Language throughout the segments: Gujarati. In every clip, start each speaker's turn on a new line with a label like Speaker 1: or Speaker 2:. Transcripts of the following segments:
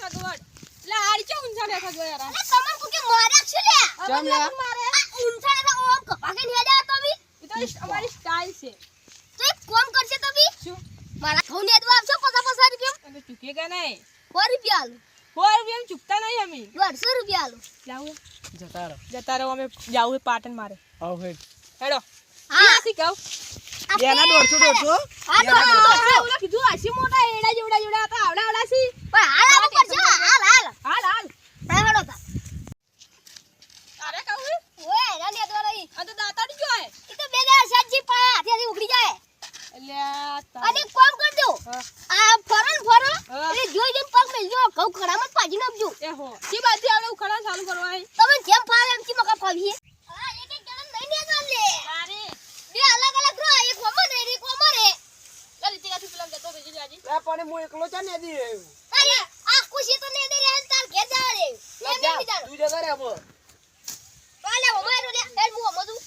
Speaker 1: સગવડ લે આડી ચો ઊંચા બેઠા જો યાર
Speaker 2: અરે તમને કોકે માર્યા છે લે
Speaker 1: ચમ લે મારે
Speaker 2: ઊંચા ને ઓમ કપાકે ને હેડા તો બી
Speaker 1: ઈ તો અમારી સ્ટાઈલ છે
Speaker 2: તો એક કોમ કરશે તો બી
Speaker 1: શું
Speaker 2: મારા ઘઉં ને દવા આપશો 50 રૂપિયા
Speaker 1: અમે ચૂકે કે નહીં
Speaker 2: 100 રૂપિયા આલો
Speaker 1: 4 રૂપિયા ચૂકતા નહીં અમે
Speaker 2: 150 રૂપિયા આલો
Speaker 1: જાવું
Speaker 3: જતા રહો
Speaker 1: અમે જાવું પાટણ મારે
Speaker 3: આવ હેડ
Speaker 1: હેડો
Speaker 2: હા
Speaker 1: આથી કહું
Speaker 3: એના 150
Speaker 2: હા તો
Speaker 1: ઓલા કીધું આસી મોટા એડા જેવડા હતા આવડા સી
Speaker 2: પણ હાલ આલો કરજો હાલ
Speaker 1: હાલ
Speaker 2: હેડો તા
Speaker 1: અરે કહું
Speaker 2: ઓય એના ને દવા રહી
Speaker 1: આ તો દાતાડી જો હે
Speaker 2: ઈ તો બે દે સાજી પા હાથેથી ઉખડી જાય
Speaker 1: એટલે
Speaker 2: અને કોમ કરજો
Speaker 1: હા.
Speaker 2: આ ફરો
Speaker 1: હા.
Speaker 2: એ જોઈ જોઈને પગ મેલજો ઘઉં ખડામાં પાજી નાખજો
Speaker 1: એ હો કી બાજુ આવડે ઉખડા ચાલુ કરવા હે
Speaker 2: તમે જેમ ફાવે એમ કી મકા ફાવીએ હા એક એક જણ નહીં ને ચાલે
Speaker 1: અરે
Speaker 2: બે અલગ અલગ રો એક કોમર રે એક કોમર રે
Speaker 1: ચાલ તીકાથી પેલા જતો રહેજો જાજી
Speaker 3: લે પણ હું એકલો ચા ને દી રહ્યો
Speaker 2: અરે આ ખુશી તો ને દે રે તાર ઘેર જા રે
Speaker 3: લે
Speaker 2: એમ
Speaker 3: જા
Speaker 2: નહીં જાણો
Speaker 3: તું જતા રે હવે
Speaker 2: પાલે ઓમારો લે એલ મુ મધુ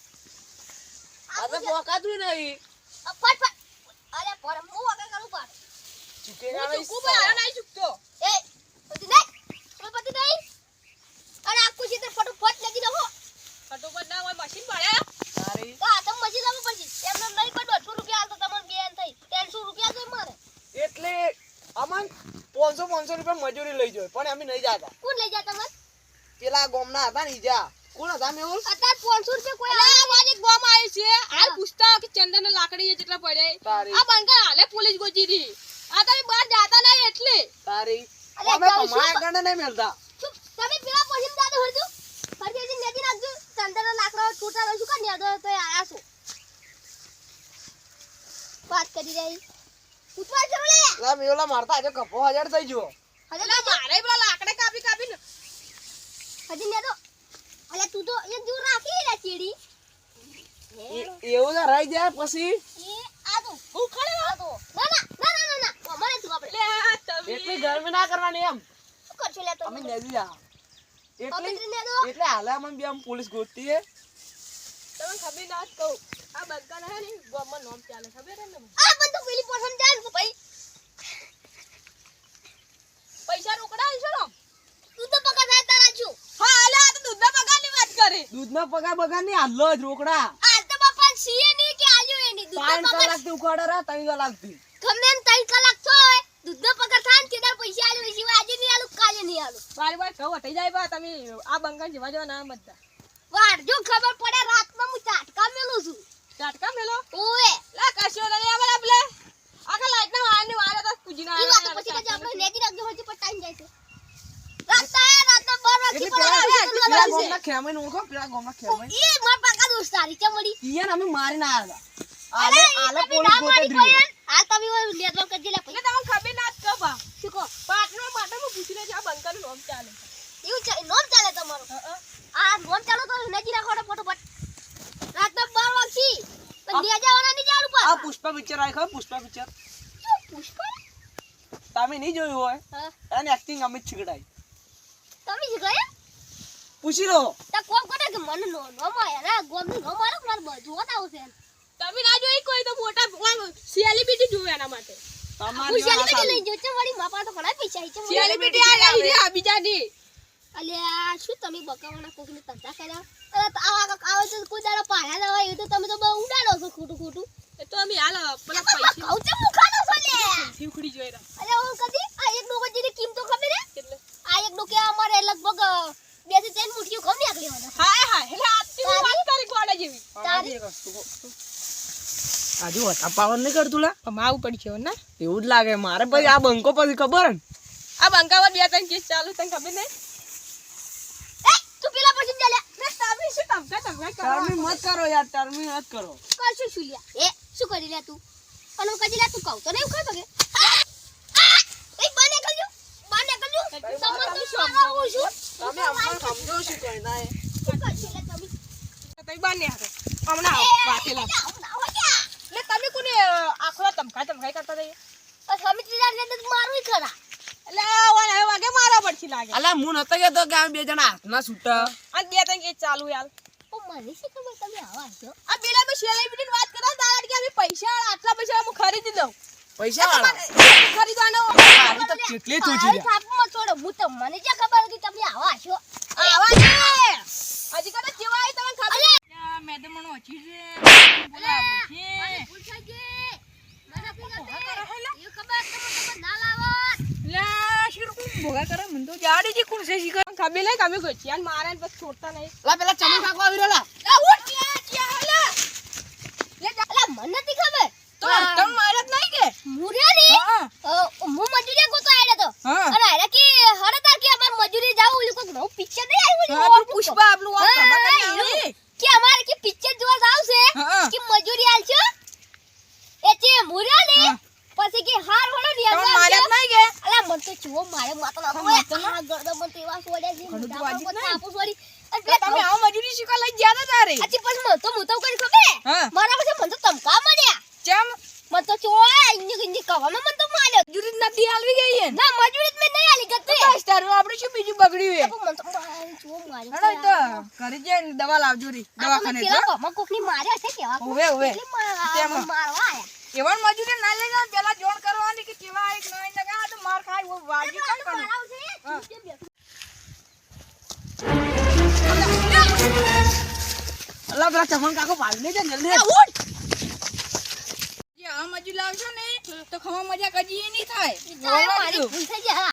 Speaker 3: આ તો પોકાતું નહીં
Speaker 2: ફટ અરે પર મુ આગળ કરું પાડ
Speaker 3: ચૂકે
Speaker 1: હું
Speaker 3: ના
Speaker 1: ચૂકું પણ આ નહીં ચૂકતો
Speaker 2: એ પતિ નહીં અરે આ ખુશી તો ફટોફટ લગી દો
Speaker 1: ફટોફટ ના હોય મશીન પડે
Speaker 3: તારી
Speaker 2: તો આ તો મજી લાવવું પડશે એમને નહીં કોઈ 200 રૂપિયા આલ તો તમને બેન થઈ 300 રૂપિયા જોઈ મારે
Speaker 3: એટલે અમન 500 રૂપિયા મજૂરી લઈ જોય પણ અમે નહીં જાતા
Speaker 2: કોણ લઈ જા તમને
Speaker 3: પેલા ગોમના હતા ને ઈજા કોણ હતા મેહુલ
Speaker 2: અત્યારે 500 રૂપિયા કોઈ
Speaker 1: અલા મારી ગોમ આવી છે હાલ પૂછતા કે ચંદન ને લાકડી જેટલા પડે
Speaker 3: તારી
Speaker 1: આ બંકા હાલે પોલીસ ગોજી દી આ તમે બહાર જાતા નહીં એટલે
Speaker 3: તારી
Speaker 2: અલે
Speaker 3: અમે
Speaker 2: જાઉં છું
Speaker 3: કમાયા ગણે નહીં મળતા
Speaker 2: ચૂપ તમે પેલા પછીમ દાદો હરજો ફરજેજી નદી નાખજો ચંદનના લાકડા છૂટા રહી શું કા નેદો તો આયા છો વાત કરી રહી ઉતવા ચલો લે
Speaker 3: લા મેહુલા મારતા આજે કપો 1000 થઈ ગયો
Speaker 1: અલા મારે પેલા લાકડે કાપી
Speaker 2: હજી નેદો અલે તું તો એ દૂર રાખી લે ચીડી
Speaker 3: એવું તો રહી જાય પછી
Speaker 2: એ આ તો ભૂખડે આ તો ના અમારે તું આપણે
Speaker 1: લે આ તમે
Speaker 3: એટલી ગરમી ના કરવાની એમ
Speaker 2: શું કરছো લે તો
Speaker 3: અમે નેદી જા
Speaker 2: અમે
Speaker 3: એટલે
Speaker 2: નેદો
Speaker 3: એટલે હાલે અમને બે આમ પોલીસ ગોતતી હે
Speaker 1: તમે ખબર ના જ કહું આ બંકા ના હે ને ગોમમાં નામ ચાલે ખબર હે ને
Speaker 2: આ બંદૂક પેલી પોસમ જાય ને ભાઈ
Speaker 1: પૈસા રોકડા આલશો ને
Speaker 2: તું તો પકા થાય તારા છું
Speaker 1: હા અલા આ તો દૂધના પગારની વાત કરે
Speaker 3: દૂધનો પગાર બગાર નહીં હાલો જ રોકડા
Speaker 2: આ તો બાપા સીએ ની કે આલ્યો એની દૂધનો
Speaker 3: 5
Speaker 2: પગાર
Speaker 3: કલાક થી ઉખાડે રા 3 કલાક થી
Speaker 2: ગમે એમ 3 કલાક થોય દૂધનો પગાર થાય ને તેના પૈસા આલ્યો સિવાય આજે નહીં આલું કાલે નહીં આલું
Speaker 1: મારી વાત કહું હટી જાય બા તમે આ બંકા જેવા જેવા ના બધા
Speaker 2: વાર જો ખબર પડે રાતમાં હું ચાટકા મેલું છું
Speaker 1: ચાટકા મેલો
Speaker 2: ઓએ
Speaker 1: લા કશો નહીં આવે આપલે આખા લાઈટ ના વાળની વાળે તો કુજીના
Speaker 2: ઈ વાત પછી કજે આપણે નેજી રાખજો હજી પર ટાઈમ જાય છે રાતના 12
Speaker 3: એટલે
Speaker 2: વાગે
Speaker 3: પેલા ગોમના ખેમાઈ નું ઓળખો પેલા ગોમના ખેમાઈ
Speaker 2: ઈ માર પાકા દોસ્તારી કે મળી
Speaker 3: ઈયન અમે મારી ના આવ્યા
Speaker 2: અરે
Speaker 3: આલે
Speaker 2: તમે
Speaker 3: પોલીસ
Speaker 2: ના
Speaker 3: ગોતે
Speaker 2: મારી
Speaker 3: દ્રી
Speaker 2: કોઈ આ તમે ઓય લેતો કરજે લે
Speaker 1: એટલે તમને ખબર ના જ કહો બા
Speaker 2: શું કહો
Speaker 1: પાટણમાં પાટણમાં પૂછી લેજો આ બંકાનું નામ ચાલે
Speaker 2: એવું છે નોમ ચાલે તમારો આ નોમ ચાલો તો નજી રાખો ફટોફટ રાતના 12 વાગી પણ લે જવાના નહીં જાણું
Speaker 3: આ
Speaker 2: પાછા
Speaker 3: પુષ્પા પિક્ચર આય ખબર પુષ્પા પિક્ચર
Speaker 2: શું પુષ્પા
Speaker 3: તમે નહીં જોયું હોય
Speaker 2: હા
Speaker 3: અને એક્ટિંગ અમિત છીકડાઈ
Speaker 2: તમે જ ગયા
Speaker 3: પૂછી લો
Speaker 2: તા કોમ કરે કે મને નો માયા ના ગોમ નું નો મારો માર બધું આવશે
Speaker 1: તમે ના જોઈ કોઈ તો મોટા સેલિબ્રિટી જોવે એના માટે
Speaker 3: તમારી
Speaker 2: ખુશાલી
Speaker 3: વાત
Speaker 2: કે લઈ
Speaker 3: આવી.
Speaker 2: જો છે વળી માપા તો ઘણા પૈસા છે
Speaker 1: સેલિબ્રિટી આવી રે આ બીજાની
Speaker 2: અલ્યા શું તમે બકાવાના કોકને તંતા કર્યા અરે આવા આવે તો કોઈ દાડો પાડ્યા ના હોય એ તો તમે તો બહુ ઉડાડો છો ખોટું
Speaker 1: એ તો અમે હાલ પેલા પૈસા
Speaker 2: કહું છે મુખાનો છો લે
Speaker 1: ઉખડી જોઈ રહ્યા
Speaker 2: અરે હું કદી આ એક ડોકો જેની કિંમત તો ખબર હે
Speaker 1: એટલે
Speaker 2: આ એક ડોકે અમારે લગભગ 2 થી 3 મુઠ્ઠીઓ ઘઉં નીકળી હોના
Speaker 1: હાય હાય એટલે આજથી હું વાત કરી ગોડા જેવી
Speaker 3: આજી એક વસ્તુ કહું. આજુ હતા પાવન નહીં કરતું લા
Speaker 1: માવું પડશે ને
Speaker 3: એવું જ લાગે મારે પછી આ બંકો પછી ખબર હે ને
Speaker 1: આ બંકાવા બે ત્રણ કેસ ચાલુ તને ખબર નહીં
Speaker 2: એ તું પેલા પછી જા લે
Speaker 1: મે તમે શું ધમકા કરો
Speaker 3: ટર્મી મત કરો યાર ટર્મી મત કરો
Speaker 2: કરશું શું લ્યા એ શું કરી લે તું અને હું કદી લે તું કહું તો નહીં ખાતો કે એ બાને કરજો સમજ તો શું આવું છું
Speaker 3: તમે અમને સમજો શું કઈ ના
Speaker 2: શું કરશી લે તમે
Speaker 1: તમે બાને હારે હમણાં વાતેલા એટલે તમે કોને આખો ધમકા કરતા રહી
Speaker 2: મારું ખરા
Speaker 1: એટલે ઓને હવે વાગે મારા પડથી લાગે
Speaker 3: અલા હું નતો કહેતો કે અમે બે જણા હાથના છૂટા
Speaker 1: આ બે ત્રણ કેસ ચાલુ યાર
Speaker 2: ઓ મને શું ખબર તમે આવા છો
Speaker 1: આ પેલા મે સેલિબ્રિટીની વાત કરતા દાડા કે અમે પૈસા આટલા પૈસા હું ખરીદી દઉં
Speaker 3: પૈસા વાળા
Speaker 1: ખરીદવાનો
Speaker 3: આવી તો કેટલી તું
Speaker 2: આરી થાપમાં છોડો હું તો મને જે ખબર હતી તમે આવા હશો
Speaker 1: આવા છે હજી કદાચ કેવા આવી તમને ખબર મેડમ મને ઓછી છે બોલાવો છે
Speaker 2: મને ભૂલ થઈ ગઈ મને ભૂલ થઈ ગઈ એ ખબર તમે ના લાવો
Speaker 1: લે શીર કોણ ભોગા કરે મને તો જાડી જી કોણ છે શીખર ખબર નહીં કમે કોઈ ચિયાન મારે ને બસ છોડતા નહીં
Speaker 3: લા પેલા ચમન કાકો આવી રહેલા
Speaker 1: લે ઉઠ ચિયા લે
Speaker 2: અલા મને નથી ખબર
Speaker 1: તો તમ મારત નહીં કે
Speaker 2: મુર્યા ને
Speaker 1: હા
Speaker 2: હું મજૂરી ગોતો આડ્યો તો
Speaker 1: હા
Speaker 2: અને આરે કે હરતા કે અમાર મજૂરી જાવ ઓલી કોક નવું પિક્ચર નહીં આવ્યું
Speaker 1: હા પેલું પુષ્પા આપણું આ ખબર કરી આવી
Speaker 2: કે અમારે કે પિક્ચર જોવા જાવ છે
Speaker 1: હા
Speaker 2: કે મજૂરી આલજો એ છે મુર્યા ને
Speaker 1: હા.
Speaker 2: પછી કે હાર વળો ને
Speaker 1: તમ મારત નહીં કે
Speaker 2: અલા મન તો ચુઓ મારે માતા ના
Speaker 1: હા, માતા ના?
Speaker 2: આ ગરદો મન તો એવા છોડ્યા છે
Speaker 1: ઘણું તો
Speaker 2: મોઢા
Speaker 1: વાજિબ
Speaker 2: પર
Speaker 1: નહીં.
Speaker 2: થાપું છોડી અને
Speaker 1: તો તમે આવો મજૂરી શીખવા લઈ ગયા તા તારે
Speaker 2: અચી પછી મન તો કરી ખબર
Speaker 1: હા
Speaker 2: મારા પછી મન તો તમકા મળ્યા
Speaker 1: ચમ
Speaker 2: મન તો ચોય ઇંજી કવામાં મન તો માર્યો
Speaker 1: મજૂરી નથી આલવી ગઈ હે
Speaker 2: ના મજૂરી મેં નહીં આલી ગતે
Speaker 1: બસ તારું આપણે શું બીજું બગડ્યું હે
Speaker 2: મન તો ચુઓ માર્યો
Speaker 1: હેડો ઈ તો ઘરે જઈને દવા લાવજો રી દવાખાને
Speaker 2: પેલા કમા કોકની માર્યા છે કેવા
Speaker 1: ઓવે ઓવે
Speaker 2: તેમાં
Speaker 1: તેમાં.
Speaker 2: મારવા આયા
Speaker 1: એવન મજૂરી ના લઈ જાવ પેલા જોણ કરવાની કે કેવા એક નહીં લગા તો માર ખાય ઓ વાજી કાઈ કરું
Speaker 3: અલા પેલા ચમન કાકો ભાગ લે જલ્દી
Speaker 1: ઉઠ જે આ મજૂરી લાવશો ને તો ખવા મજા કજી નહીં થાય
Speaker 2: મારી ભૂલ થઈ જાય